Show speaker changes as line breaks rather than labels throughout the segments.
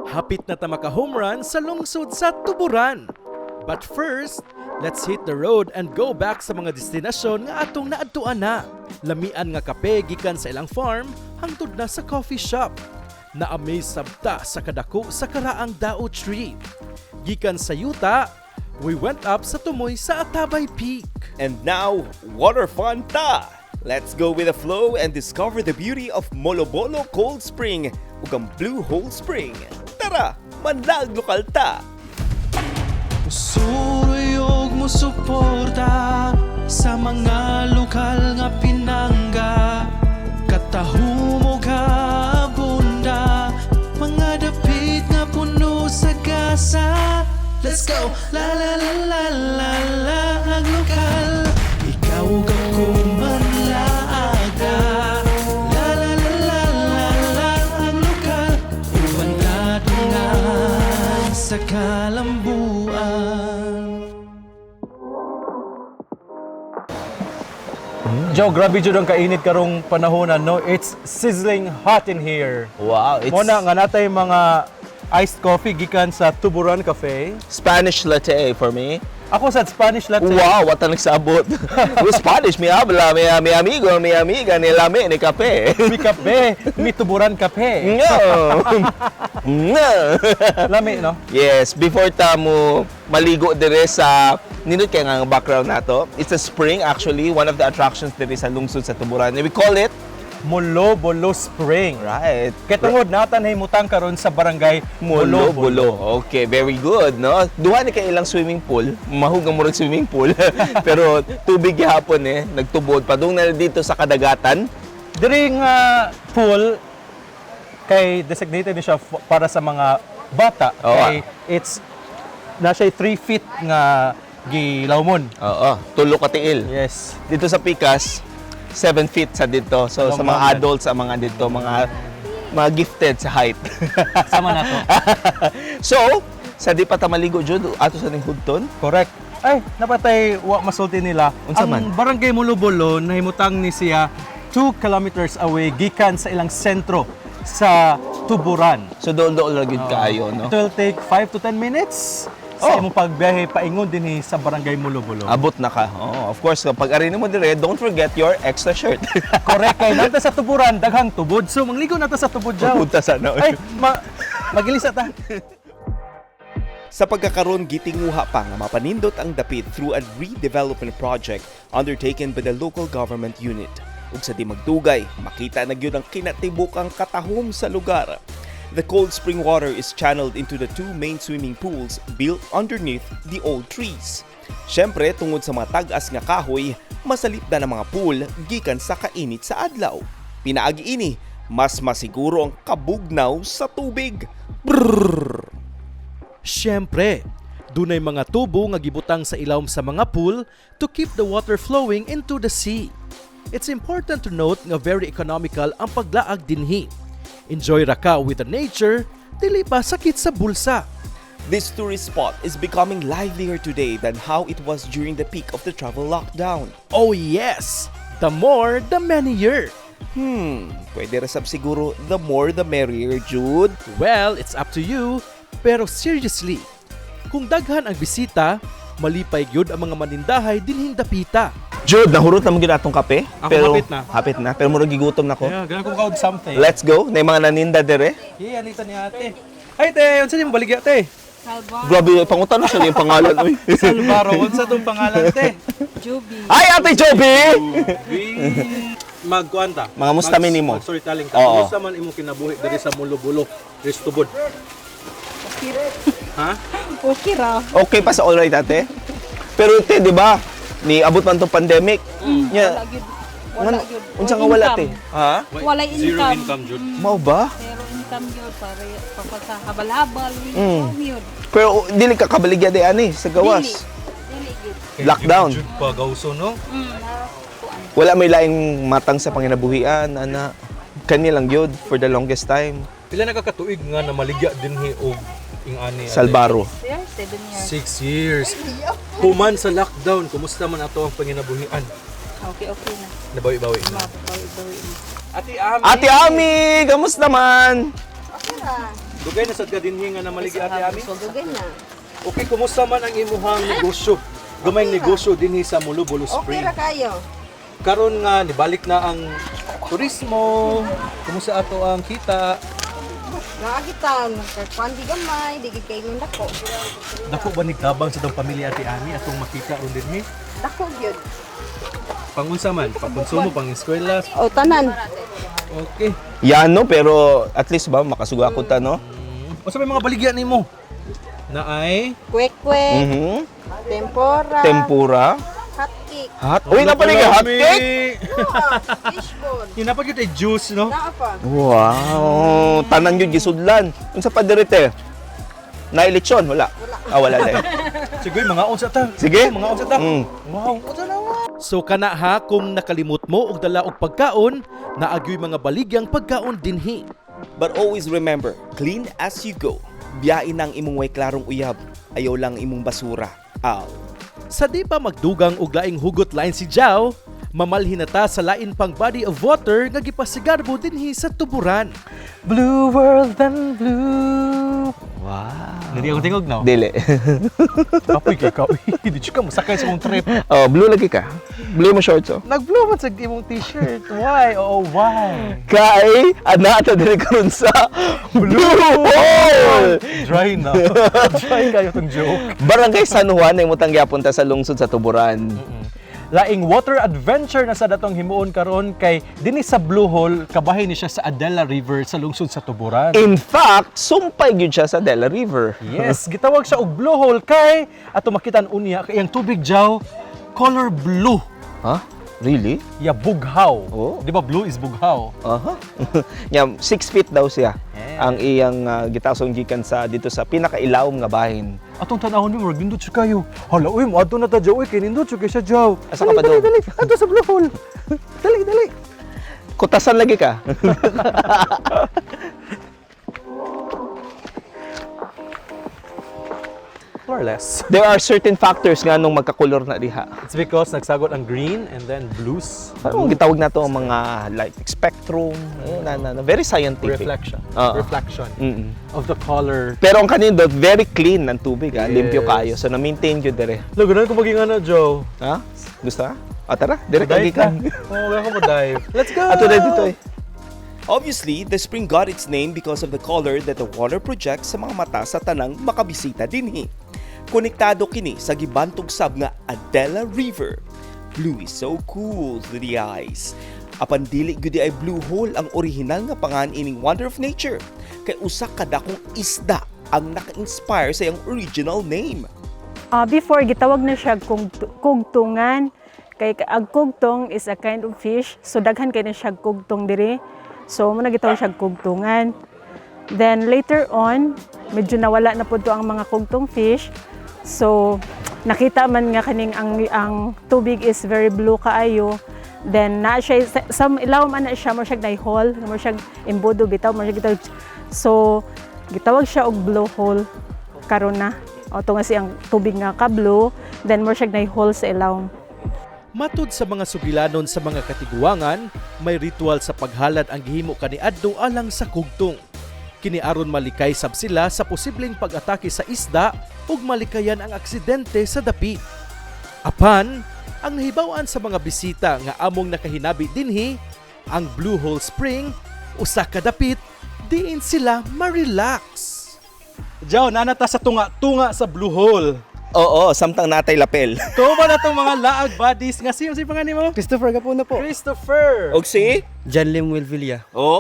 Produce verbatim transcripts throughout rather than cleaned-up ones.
Hapit na ta maka-home run sa lungsod sa Tuburan. But first, let's hit the road and go back sa mga destinasyon nga atong naadtuan na. Lamian nga kape gikan sa ilang farm hangtod na sa coffee shop. Na-amaze sabta sa kadako sa karaang Dao Tree. Gikan sa yuta, we went up sa tumoy sa Atabay Peak.
And now, water fun ta! Let's go with the flow and discover the beauty of Molobolo Cold Spring ug ang Blue Hole Spring. Tara, manlag lokal ta!
Suruyog mo suporta sa mga lokal nga pinangga. Katahumog ka bunda, mga dapit nga puno sa gasa. Let's go! La la la la la la ang lokal. Ikaw ako manlaaga. La la la la la la ang lokal. Umanadungan sa kalambuan.
Joe, grabe jud ang kainit karong panahonan, no? It's sizzling hot in here.
Wow, it's
Muna nga natay mga iced coffee gikan sa Tuburan Cafe.
Spanish latte for me.
Ako sa Spanish latte.
Wow, what ang nagsabot. With Spanish, mi habla, mi, mi amigo, mi amiga, ni lame, ni kape.
Mi kape, mi Tuburan Cafe.
No. No.
Lami, no?
Yes, before ta mo maligo dire sa nindot kay nga ang background nato. It's a spring actually, one of the attractions dire sa lungsod sa Tuburan. We call it
Molobolo Spring.
right.
Kaya tungod natan himutang karon sa barangay
Molo
Molobolo.
Bulo. Okay, very good, no? Duha ni kay ilang swimming pool. Mahugang murag swimming pool. Pero tubig gihapon eh, nagtubod padung na dito sa kadagatan.
Diri nga pool kay designated ni siya f- para sa mga bata.
Oo,
Kay it's na siya three feet nga gilawmon.
Oo, tulo ka tiil.
Yes.
Dito sa Pikas, seven feet sa dito. So
Long
sa mga
mountain.
adults, sa mga dito, mga mga gifted sa height.
Sama na to.
So, sa di pa ta maligo jud ato sa ning hudton.
Correct. Ay, napatay wa masulti nila.
Unsa
Ang
man?
barangay Molobolo nahimutang ni siya two kilometers away gikan sa ilang sentro sa Tuburan.
So dool-dool ra gyud kaayo, no?
It will take five to ten minutes
Oh.
sa imong pagbiyahe paingon dinhi sa barangay Molobolo.
Abot na ka. Oh, of course, kapag arin mo dire, don't forget your extra shirt.
Correct kay nata sa Tuburan daghang tubod. So mangligo nata sa tubod jaw.
Punta sana.
Ay, ma magilisa ta.
Sa pagkakaroon, gitinguha pa nga mapanindot ang dapit through a redevelopment project undertaken by the local government unit. Ug sa di magdugay, makita na gyud ang kinatibukang katahom sa lugar. The cold spring water is channeled into the two main swimming pools built underneath the old trees. Syempre, tungod sa mga tag-as nga kahoy, masalip na ng mga pool gikan sa kainit sa adlaw. Pinaagi ini, mas masiguro ang kabugnaw sa tubig. Brrrr!
Siyempre, dunay mga tubo nga gibutang sa ilawom sa mga pool to keep the water flowing into the sea. It's important to note nga very economical ang paglaag dinhi. Enjoy ra ka with the nature, dili pa sakit sa bulsa.
This tourist spot is becoming livelier today than how it was during the peak of the travel lockdown.
Oh yes! The more, the merrier.
Hmm, pwede resab siguro the more the merrier, Jude.
Well, it's up to you. Pero seriously, kung daghan ang bisita, malipay gyud ang mga manindahay dinhing dapita.
Jude, nahurot na mo gyud atong kape.
Ako
pero
hapit na.
Hapit na, pero murag gigutom na ko.
Yeah, ganun ko kaog something.
Let's go. Na mga naninda dire.
Yeah, anita ni ate. Ay, te, unsa nimo baligya te?
Grabe, pangutan na siya yung pangalan. Uy.
Salvaro, unsa tong pangalan te?
Juby.
Ay, Ate Joby!
Magkuanta.
Mga musta minimo?
Storytelling ka.
Oo.
Musta man imong kinabuhi diri sa Molobolo, Ristubod. Ha?
Okay ra.
Okay pa sa alright, ate? Pero te, di ba? Ni abot man tong pandemic.
Wala
Nya,
gyud. Wala gyud.
unsa nga wala, te? Ha?
Wala
Zero
income.
income jud.
Mao ba?
Pero income gyud para para sa habal-habal.
Mm.
Oh, yun.
Pero dili ka kabaligya di ani sa gawas.
Dili. Dili gyud.
Lockdown.
Jud pa gawso no.
Mm, na- kuan.
Wala may laing matang sa panginabuhian, ana. Kani lang yun for the longest time.
Pila na ka katuig nga na maligya dinhi og ing ani.
Salbaro.
Yeah, seven years.
Six years. Human sa lockdown, kumusta man ato ang panginabuhian?
Okay, okay na.
Nabawi-bawi na.
Mabawi-bawi na.
Ate Ami.
Ate Ami, kamusta man?
Okay na.
Dugay na sad ka dinhi nga na maligi ate ami.
So, dugay na.
Okay, kumusta man ang imuhang negosyo? Gamayng negosyo dinhi sa Mulubolo
Okay
Spring.
ra kayo.
Karon nga nibalik na ang turismo. Kumusta ato ang kita?
Nakakita, nagkakuan di gamay, di kay ng dako.
Dako ba nigtabang sa tong pamilya ate ami atong makita ron dinhi?
Dako gyud.
Pangunsa man, pangkonsumo, pang eskwela.
O tanan.
Okay.
Yan no, pero at least ba makasuga ko ta no?
O sa may mga baligya nimo? Na ay
Kwek-kwek,
Mhm.
tempura,
Tempura.
hotcake.
Hot. Uy, napali ka hot cake.
Ah, fishbone.
Yun na pa yun ay juice, no?
Naa pa.
Wow, tanan yun gisudlan. Unsa pa dirite? Na lechon wala. Ah, wala din.
Sige, mga unsa ta.
Sige.
Mga unsa ta.
Mm.
Wow, unsa na wa. So kana ha kung nakalimot mo og dala og pagkaon, naagyoy mga baligyang pagkaon dinhi.
But always remember, clean as you go. Biyain ang imong way klarong uyab. Ayaw lang imong basura. Aw.
Sa di pa magdugang og laing hugot lain si Jao, mamalhin na ta sa lain pang body of water nga gipasigarbo dinhi sa tuburan. Blue world and blue. Wow. Hindi akong tingog no?
Dili.
Kapoy kay kapoy. Di ka musakay sa mong trip.
Oh, blue lagi ka. Blue mo shorts oh.
Nag-blue man sa imong t-shirt. Why? Oh, why?
Kay ana ta diri karon sa Blue Hole.
Dry na. Dry kayo tong joke.
Barangay San Juan ay mutang gyapon ta sa lungsod sa Tuburan.
Laing water adventure na sa datong himuon karon kay dinhi sa Blue Hole kabahay ni siya sa Adela River sa lungsod sa Tuburan.
In fact, sumpay gyud siya sa Dela River.
Yes, gitawag siya og Blue Hole kay ato makitan unya kay ang tubig jaw color blue.
Ha? Really?
Ya bughaw.
Oh.
Di ba blue is bughaw?
Aha. Nya six feet daw siya.
Yeah.
Ang iyang uh, gitasong gikan sa dito sa pinakailawom nga bahin.
Atong tanahon ni murag nindot siya kayo. Hala, uy, mo adto na ta jaw, uy, kay nindot siya kay siya jaw.
Asa ka pa
dali,
daw?
dali, adto sa Blue Hole. dali, dali.
Kutasan lagi ka.
More or less.
There are certain factors nga nung magkakulor na diha.
It's because nagsagot ang green and then blues.
Parang gitawag na to ang mga light spectrum, ayun, na, na, na, very scientific.
Reflection.
Oo.
Reflection
Mm-mm.
of the color.
Pero ang kanindot, very clean ang tubig, ah.
Yes.
Limpyo kayo. So, na-maintain yun dire.
Lagunan ko maging ano, Joe.
Ha? Gusto ka? O, tara, direct
Dive
lagi ka.
na. Oo, wala ko ma-dive. Let's go!
Ato na dito eh. Obviously, the spring got its name because of the color that the water projects sa mga mata sa tanang makabisita dinhi. Konektado kini sa gibantog sab nga Adela River. Blue is so cool to the eyes. Apan dili gyud ay Blue Hole ang original nga pangan ining wonder of nature. Kay usa ka dakong isda ang naka-inspire sa iyang original name.
Uh, before, gitawag na siya kung kugtungan. Kay ang kugtong is a kind of fish. So, daghan kay na siya kugtong diri. So, muna gitawag siya kugtungan. Then, later on, medyo nawala na po to ang mga kugtong fish. So, nakita man nga kaning ang, ang tubig is very blue kaayo. Then, na siya, sa ilaw man na siya, mo siya naihol, mo siya imbudo, bitaw, mo siya gitawag. So, gitawag siya og Blue Hole karon na. O to nga siyang tubig nga ka-blue, then mo siya naihol sa ilaw.
Matud sa mga sugilanon sa mga katiguangan, may ritual sa paghalad ang gihimo kaniadto alang sa kugtong. Kiniaron malikay sab sila sa posibleng pag-atake sa isda ug malikayan ang aksidente sa dapi. Apan, ang nahibaw-an sa mga bisita nga among nakahinabi dinhi, ang Blue Hole Spring, usa ka dapit, diin sila ma-relax. Jaw, nanata sa tunga-tunga sa Blue Hole.
Oo, samtang natay lapel.
Tuwa ba na itong mga laag buddies? Nga siyo, siyo pangalan mo?
Christopher Gapuna po.
Christopher!
Og si?
John Lim Wilvilla.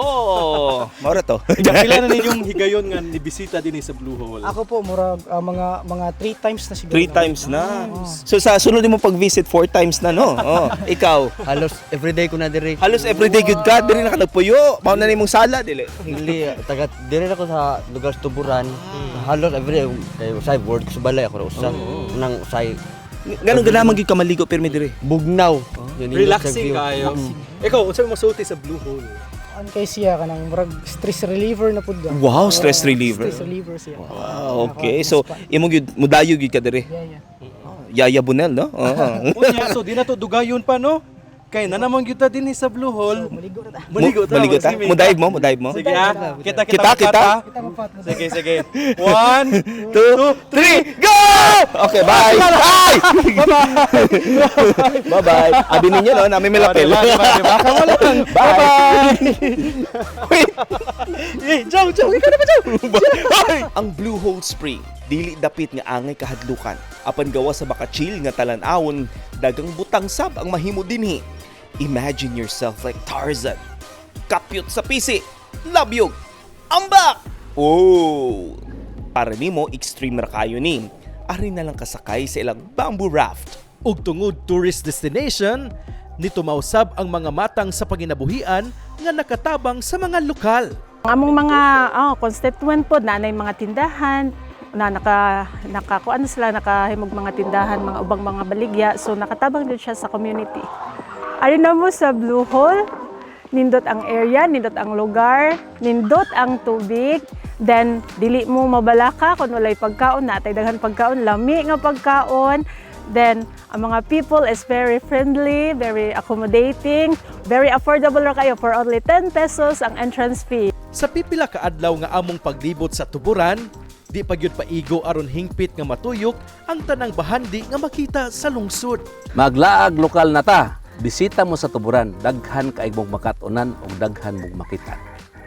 Oo, maura to.
Pila na ninyong higayon nga nibisita din sa Blue Hole?
Ako po, murag ah, mga mga three times na siguro.
Three times na. So sa sunod mo pag-visit, four times na, no? Oh, ikaw.
Halos everyday ko na dire.
Halos everyday good ka, dili na ka nagpuyo. Mao na nimong sala, dili.
Hindi, taga dire ako sa lugar sa Tuburan. Halos everyday kay usay word ko sa balay ako usa. Nang usay
Ganun ganaman gyud ka maligo pirmi dire.
bugnaw. Yun yung
Relaxing
view.
kayo. Ikaw, unsa mo masulti sa Blue Hole?
An kay siya kanang murag stress reliever na pud.
Wow, stress reliever.
Stress reliever siya.
Wow, okay. So imo gyud mudayo gyud ka dire.
Yeah, yeah.
Yaya Bunel, no? Oo.
Unya, so di na to dugayon pa, no? Kay na naman kita din sa Blue Hole.
Maligo na ta.
Maligo ta.
Maligo ta?
sige, May.
Mudaig mo, mudaig mo.
Sige ha. Kita kita
Kita,
mapat,
kita.
ha?
Kita mapat mo.
Sige sige. One,
Two, three, go! Okay, bye! Bye! Bye-bye. Abi ninyo, no? Namin may lapel.
Diba, diba, diba? Kamo lang.
Bye! Wait!
Eh, Joe, Joe, ikaw na ba, Joe?
Ang Blue Hole Spring, dili dapit nga angay kahadlukan. Apan gawa sa makachil nga talan-awon, dagang butang sab ang mahimo dinhi. Imagine yourself like Tarzan. Kapyot sa pisi, labyog, ambak! Oh! Para nimo extreme ra kayo ni. Ari na lang kasakay sa ilang bamboo raft.
Ug tungod tourist destination, nito mausab ang mga matang sa panginabuhian nga nakatabang sa mga lokal.
Ang among mga oh, constituent po na nay mga tindahan na naka naka ano sila nakahimog mga tindahan, mga ubang mga baligya, so nakatabang din siya sa community. Ari na mo sa Blue Hole, nindot ang area, nindot ang lugar, nindot ang tubig, then dili mo mabalaka kung walay pagkaon, natay daghan pagkaon, lami nga pagkaon. Then ang mga people is very friendly, very accommodating, very affordable ra kayo for only ten pesos ang entrance fee.
Sa pipila ka adlaw nga among paglibot sa tuburan, di pa gyud paigo aron hingpit nga matuyok ang tanang bahandi nga makita sa lungsod.
Maglaag lokal na ta. Bisita mo sa tuburan, daghan kaig mong makatunan o daghan mong makita.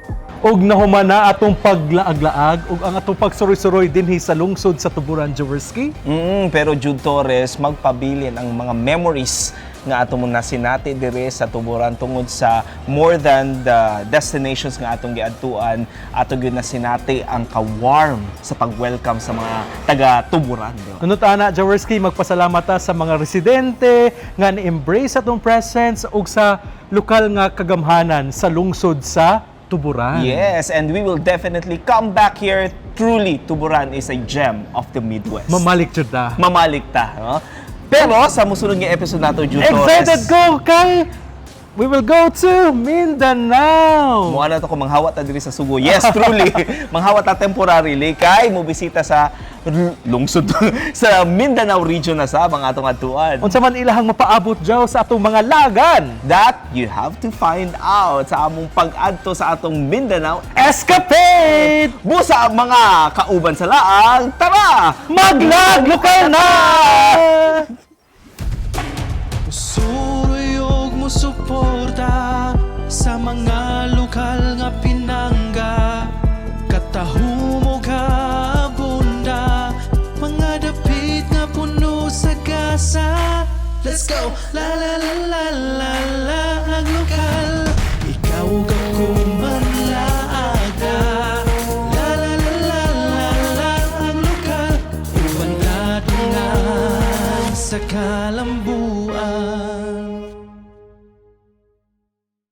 Og nahumana atong paglaag-laag ug ang atong pagsuroy-suroy dinhi sa lungsod sa tuburan, Jaworski.
Mm, pero Jude Torres, magpabilin ang mga memories nga ato mo na sinati dire sa tuburan tungod sa more than the destinations nga atong giadtuan, ato gyud na sinati ang ka-warm sa pag-welcome sa mga taga-tuburan.
Nunot ana, Jaworski, magpasalamat ta sa mga residente nga ni-embrace atong presence ug sa lokal nga kagamhanan sa lungsod sa Tuburan.
Yes, and we will definitely come back here. Truly, Tuburan is a gem of the Midwest.
Mamalik jud ta.
Mamalik ta, no? Pero sa musunod nga episode nato, Jude
Excited
Torres,
ko kay we will go to Mindanao.
Muna na to kung manghawat ta diri sa Subo. Yes, truly. manghawat ta temporarily kay mo bisita sa r- lungsod sa Mindanao region na sa ang atong atuan.
Unsa man ilahang mapaabot jaw sa atong mga lagan?
That you have to find out sa among pag-adto sa atong Mindanao
Escapade!
busa ang mga kauban sa laang. Tara!
Maglag lokal na!
Suruyog mo suporta sa mga lokal nga pinangga. Katahumog bunda, mga dapit nga puno sa gasa. Let's go! La la la la la la ang lokal. Ikaw ako manlaaga. La la la la la la ang lokal. Uban na sa kalambuan.